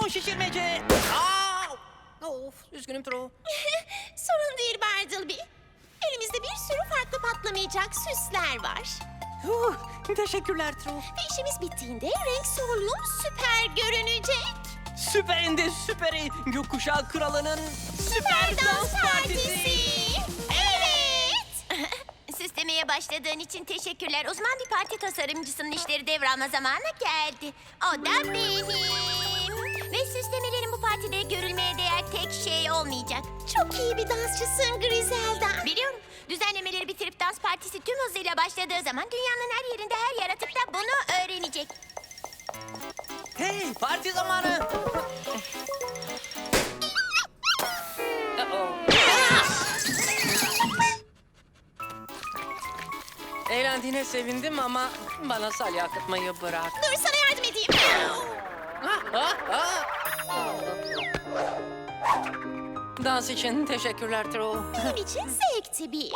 Balon şişirmece. Of, üzgünüm True. Sorun değil Bartleby. Elimizde bir sürü farklı patlamayacak süsler var. Teşekkürler True. Ve işimiz bittiğinde renk solum süper görünecek. Süperinde süperi. Gökkuşağı kralının süper dans partisi. Evet. Süslemeye başladığın için teşekkürler. Uzman bir parti tasarımcısının işleri devralma zamanı geldi. O da benim. Ve süslemelerin bu partide görülmeye değer tek şey olmayacak. Çok iyi bir dansçısın Griselda. Biliyorum. Düzenlemeleri bitirip dans partisi tüm hızıyla başladığı zaman dünyanın her yerinde her yaratık da bunu öğrenecek. Hey, parti zamanı. Eğlendiğine sevindim ama bana salya akıtmayı bırak. Dur sana yardım edeyim. Dans için teşekkürler True. Benim için zevkti bir.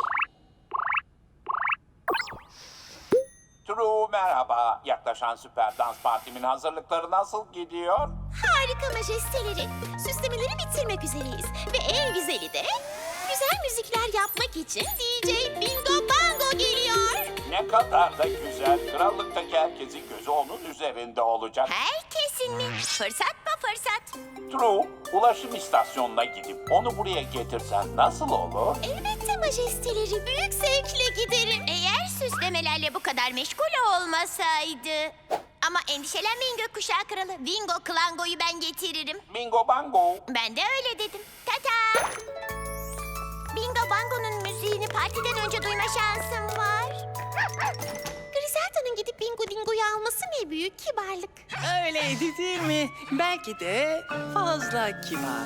True merhaba. Yaklaşan süper dans partimin hazırlıkları nasıl gidiyor? Harika majesteleri. Süslemeleri bitirmek üzereyiz. Ve en güzeli de güzel müzikler yapmak için DJ Bingo Bango geliyor. Ne kadar da güzel. Krallıktaki herkesin gözü onun üzerinde olacak. Herkesin mi? Fırsat mı fırsat? True, ulaşım istasyonuna gidip onu buraya getirsen nasıl olur? Elbette majesteleri. Büyük zevkle giderim. Eğer süslemelerle bu kadar meşgul olmasaydı. Ama endişelenmeyin gökkuşağı kralı. Bingo Klango'yu ben getiririm. Bingo bango. Ben de öyle dedim. Tata! Bingo Bango'nun müziğini partiden önce duyma şansım var. Griselda'nın gidip Bingo Dingo'yu alması ne büyük kibarlık. Öyleydi değil mi? Belki de fazla kibar.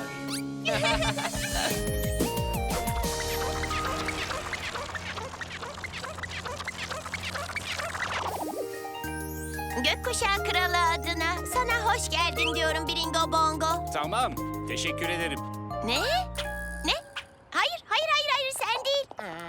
Gökkuşağı kralı adına sana hoş geldin diyorum Bingo Bongo. Tamam, teşekkür ederim. Ne? Ne? Hayır sen değil.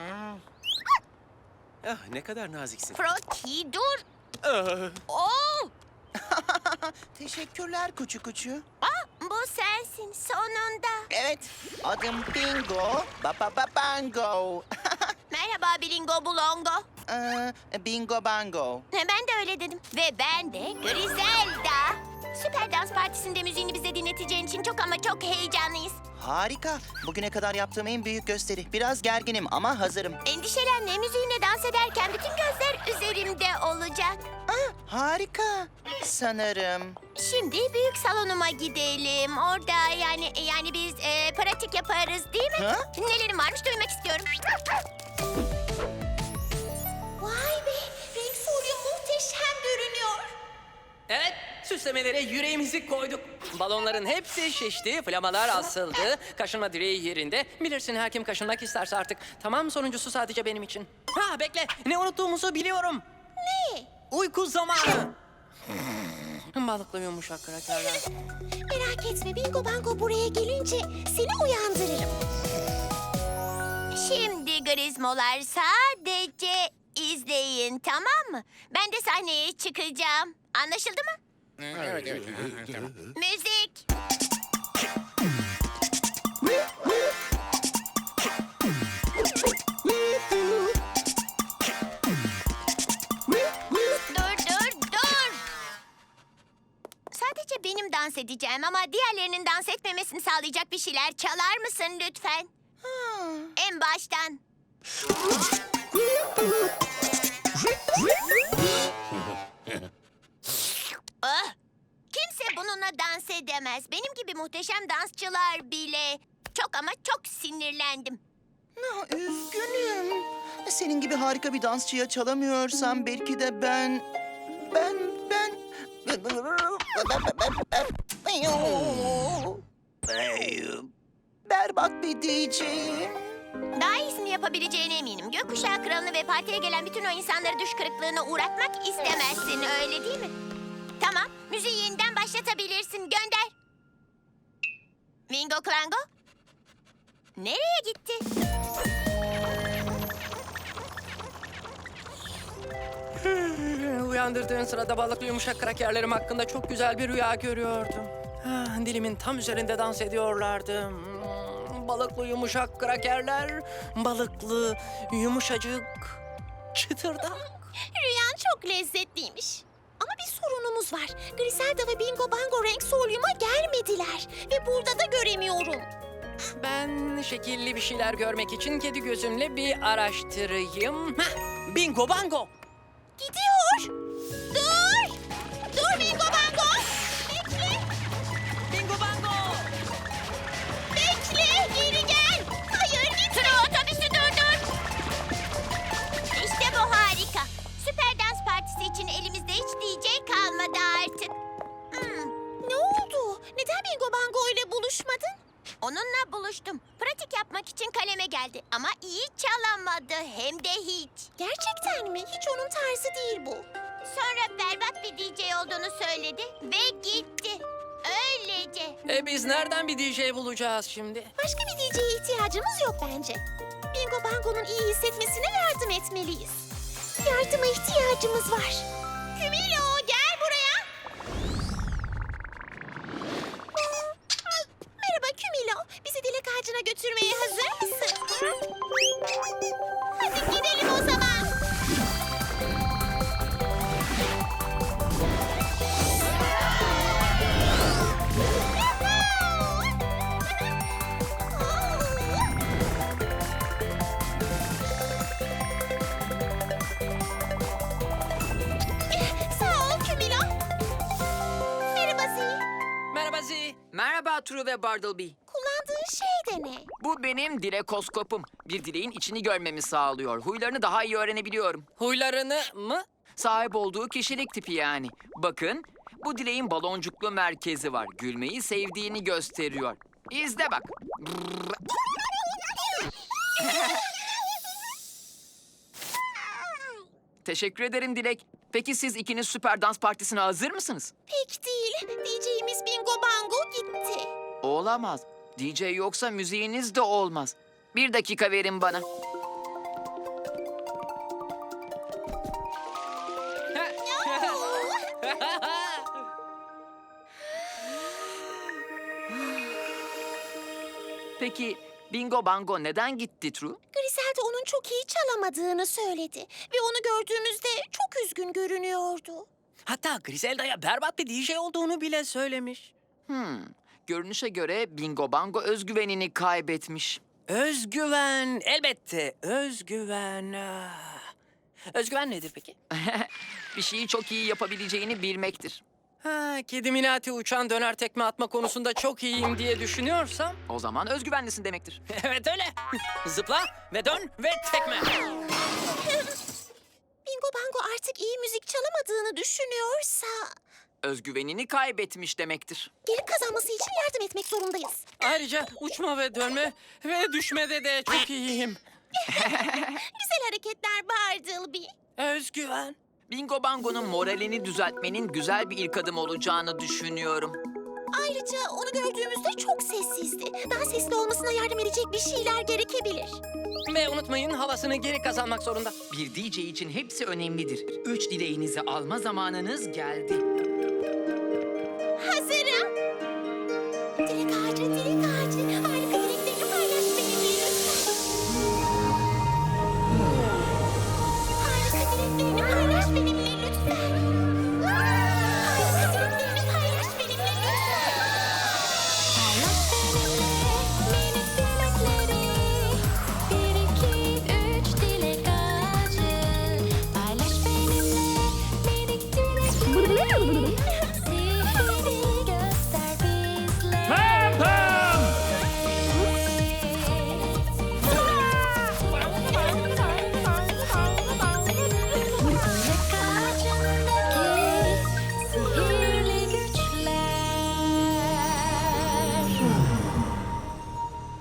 Ne kadar naziksin. Froti dur. Ah, Oo! Teşekkürler kuçu kuçu. Bu sensin sonunda. Evet, adım Bingo, Bango. Merhaba Bingo Bulongo. Bingo Bango. Ben de öyle dedim. Ve ben de Griselda. Süper Dans Partisi'nde müziğini bize dinleteceğin için çok ama çok heyecanlıyız. Harika. Bugüne kadar yaptığım en büyük gösteri. Biraz gerginim ama hazırım. Endişelenme, müziğine dans ederken bütün gözler üzerimde olacak. Harika. Sanırım. Şimdi büyük salonuma gidelim. Orada yani biz pratik yaparız değil mi? Ha? Nelerin varmış duymak istiyorum. Vay be, renk folyo muhteşem görünüyor. Evet, süslemelere yüreğimizi koyduk. Balonların hepsi şişti, flamalar asıldı, kaşınma direği yerinde. Bilirsin her kim kaşınmak isterse artık. Tamam, sonuncusu sadece benim için. Ha bekle, ne unuttuğumuzu biliyorum. Ne? Uyku zamanı. Balıklı yumuşak krakerler. Merak etme, Bingo Bango buraya gelince seni uyandırırım. Şimdi Grizmolar sadece izleyin, tamam mı? Ben de sahneye çıkacağım. Anlaşıldı mı? evet. Tamam. Müzik. Dur. Sadece benim dans edeceğim ama diğerlerinin dans etmemesini sağlayacak bir şeyler çalar mısın lütfen? En baştan. Kimse bununla dans edemez. Benim gibi muhteşem dansçılar bile. Çok ama çok sinirlendim. Üzgünüm. Senin gibi harika bir dansçıya çalamıyorsam belki de ben... Berbat bir DJ'yim. Daha iyisini yapabileceğine eminim. Gökkuşağı kralını ve partiye gelen bütün o insanları düş kırıklığına uğratmak istemezsin, öyle değil mi? Tamam, müziği yeniden başlatabilirsin. Gönder. Bingo Klango? Nereye gitti? Uyandırdığın sırada balıklı yumuşak krakerlerim hakkında çok güzel bir rüya görüyordum. Dilimin tam üzerinde dans ediyorlardı. Balıklı yumuşak krakerler, balıklı yumuşacık çıtırdak. Rüyan çok lezzetliymiş. Ama bir sorunumuz var. Griselda ve Bingo Bango renk solyuma gelmediler. Ve burada da göremiyorum. Ben şekilli bir şeyler görmek için kedi gözümle bir araştırayım. Bingo bango. Gidiyor. Dur. Dur Bingo Bango. Bekle. Bingo bango. Bekle. Geri gel. Hayır gitme. Otobüsü durdur. İşte bu harika. Süper dans partisi için elimizde hiç DJ kalmadı artık. Ne oldu? Neden Bingo Bango ile buluşmadın? Onunla buluştum. Pratik yapmak için kaleme geldi. Ama iyi çalamadı. Hem de hiç. Gerçekten mi? Hiç onun tarzı değil bu. Sonra berbat bir DJ olduğunu söyledi ve gitti. Öylece. Biz nereden bir DJ bulacağız şimdi? Başka bir DJ'ye ihtiyacımız yok bence. Bingo Bango'nun iyi hissetmesine yardım etmeliyiz. Yardıma ihtiyacımız var. Kümilo gel buraya. Merhaba Kümilo. Bizi dilek ağacına götürmeye hazır mısın? Hadi gidelim o zaman. Sağ ol Kümilo. Merhaba Zee. Merhaba Zi. Merhaba True ve Bartleby. Kullandığın şey de ne? Bu benim dilekoskopum. Bir dileğin içini görmemi sağlıyor. Huylarını daha iyi öğrenebiliyorum. Huylarını mı? Sahip olduğu kişilik tipi yani. Bakın, bu dileğin baloncuklu merkezi var. Gülmeyi sevdiğini gösteriyor. İzle bak. Teşekkür ederim Dilek. Peki siz ikiniz süper dans partisine hazır mısınız? Pek değil. DJ'imiz Bingo Bango gitti. Olamaz. DJ yoksa müziğiniz de olmaz. Bir dakika verin bana. Peki Bingo Bango neden gitti True? Griselda onun çok iyi çalamadığını söyledi. Ve onu gördüğümüzde çok üzgün görünüyordu. Hatta Griselda'ya berbat bir DJ olduğunu bile söylemiş. Görünüşe göre Bingo Bango özgüvenini kaybetmiş. Özgüven, elbette özgüven. Özgüven nedir peki? Bir şeyi çok iyi yapabileceğini bilmektir. Kedi Minati uçan döner tekme atma konusunda çok iyiyim diye düşünüyorsam... O zaman özgüvenlisin demektir. Evet öyle. Zıpla ve dön ve tekme. Bingo Bango artık iyi müzik çalamadığını düşünüyorsa... Özgüvenini kaybetmiş demektir. geri kazanması için yardım etmek zorundayız. Ayrıca uçma ve dönme ve düşmede de çok iyiyim. Güzel hareketler Bartleby. Özgüven. Bingo Bango'nun moralini düzeltmenin güzel bir ilk adım olacağını düşünüyorum. Ayrıca onu gördüğümüzde çok sessizdi. Daha sesli olmasına yardım edecek bir şeyler gerekebilir. Ve unutmayın havasını geri kazanmak zorunda. Bir DJ için hepsi önemlidir. 3 dileğinizi alma zamanınız geldi.